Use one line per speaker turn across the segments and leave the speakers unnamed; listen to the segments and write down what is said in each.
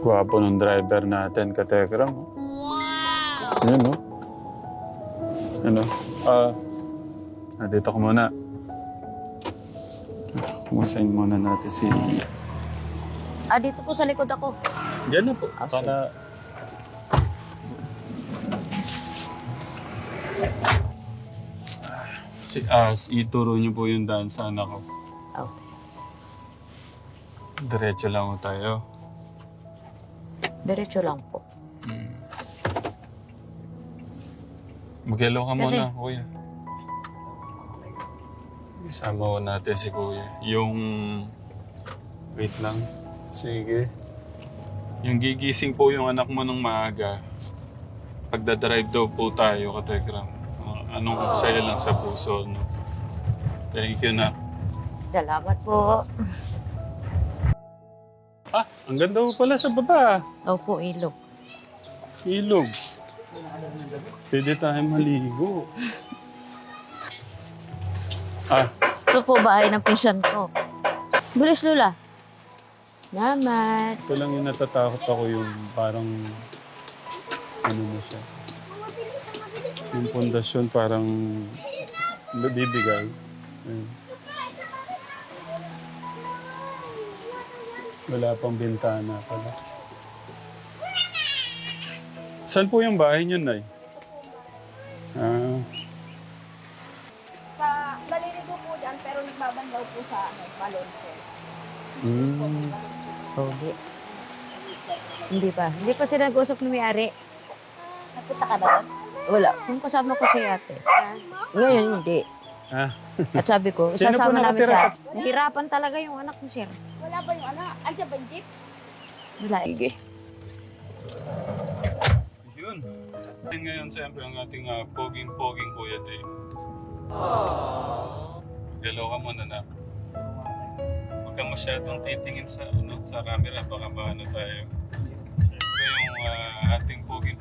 Gwapo ng driver natin, katekram. Wow! Yun, no? Ano? Dito ko muna. Kumustahin muna natin si...
Dito po sa likod ako.
Diyan na po.
Sige.
Para... Ituro niyo po yung daan sa anak ko.
Okay.
Diretso lang po tayo.
Diretso lang po.
Mag-hello ka
Kasi-
muna, kuya. Isama ko natin si kuya. Yung... Wait lang. Sige. Yung gigising po yung anak mo ng maaga. Pagdadrive daw po tayo, katekram. Anong saya lang sa puso, no? Thank you na.
Salamat po.
Ang ganda po pala sa baba.
Opo, ilog.
Ilog. Pwede tayo maligo.
Ito po bahay ng pinsan ko. Bilis, Lula. Salamat.
Ito lang yung natatakot ako yung parang... Ano na siya. Yung pundasyon parang... Bibigay. Ayun. Wala pang bintana pala. Saan po yung bahay niyo, Nay?
Naliligo po dyan, pero nagbabandaw po sa balon po.
Hindi. Hindi pa. Hindi pa sila nag-usap na may-ari.
Nagpunta ka ba doon?
Wala. Kung kasama ko si ate. Ngayon, hindi. At sabi ko,
Sino po
sasama namin
nakatira
siya. Nahirapan talaga yung anak ni sir.
Wala ba yung anak? Andiyan ba yung jeep?
Wala. Sige.
Yun. Ngayon, siyempre, ang ating poging-poging Kuya Dave. Hello ka muna na. Huwag ka masyadong titingin sa, sa camera. Baka maano tayo. Siyempre, yung ating poging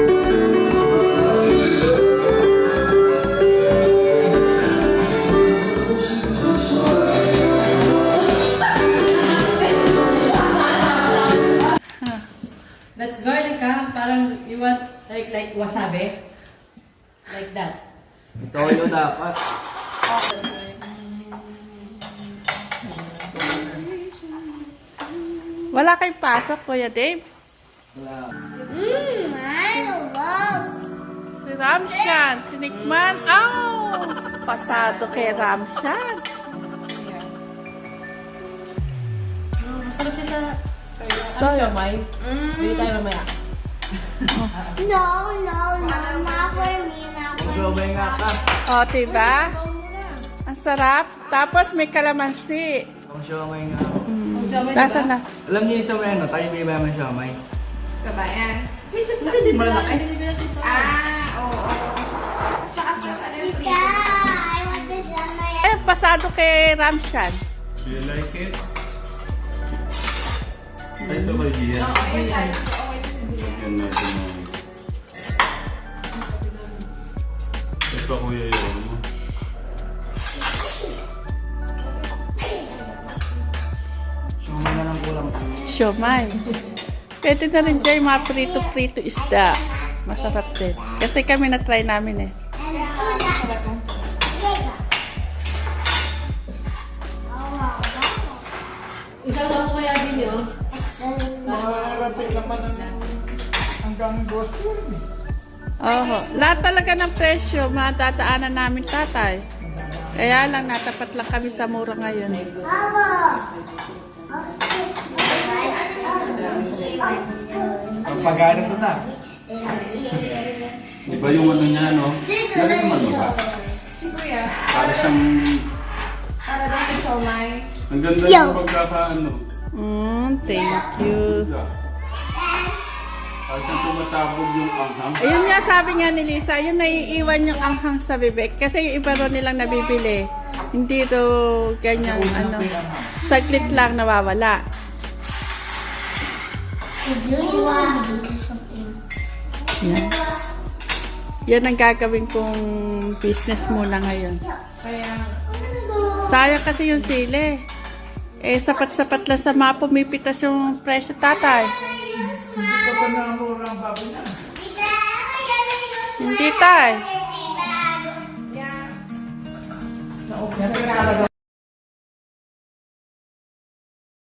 That's garlic, ha? Parang you want like wasabi? Like that.
Toyo dapat.
Wala kayong pasok, Kuya Dave?
Wala.
Si Ramshan, tinikman. Pasado kay Ramshan.
Masarap siya sa...
Toyo.
May? Bili tayo mamaya.
No, not for me, not for
Gawin nga ka.
O, diba? Ang sarap. Tapos may kalamansi.
Ang siomay nga.
Lasa na.
Alam niyo yung sa may tayo may mayaman siomay.
Sa bayan.
Malaki.
Tita, I want this on my...
Eh, pasado kay Ramshan.
Do you like it? Ay, ito kay Gia. Lagyan natin ng... Ito kuya yun.
Siomay na lang kulang.
Siomay. Pwede na rin dyan yung mga prito-prito isda. Masarap din. Kasi kami na-try namin eh.
Isang taon kaya din yun.
Oho. Lahat talaga ng presyo, matadaanan namin, tatay. Kaya lang, natapat lang kami sa mura ngayon.
Ang pagano to na.
Iba yung ano niya, no? Galing naman mo ba? Para siyang...
Para daw sa siomay.
Ang ganda yung pagkakaano.
Thank you.
Para siyang sumasabog yung anghang.
Ayun nga, sabi nga ni Lisa, yun naiiwan yung anghang sa bibig. Kasi yung iba ro nilang nabibili. Hindi ro ganyan, saglit lang nawawala. Yan. Yan ang gagawin kong business muna ngayon. Sayang kasi yung sili. Eh, sapat-sapat lang sa mga pumipitas yung presyo, tatay. Hindi, tay.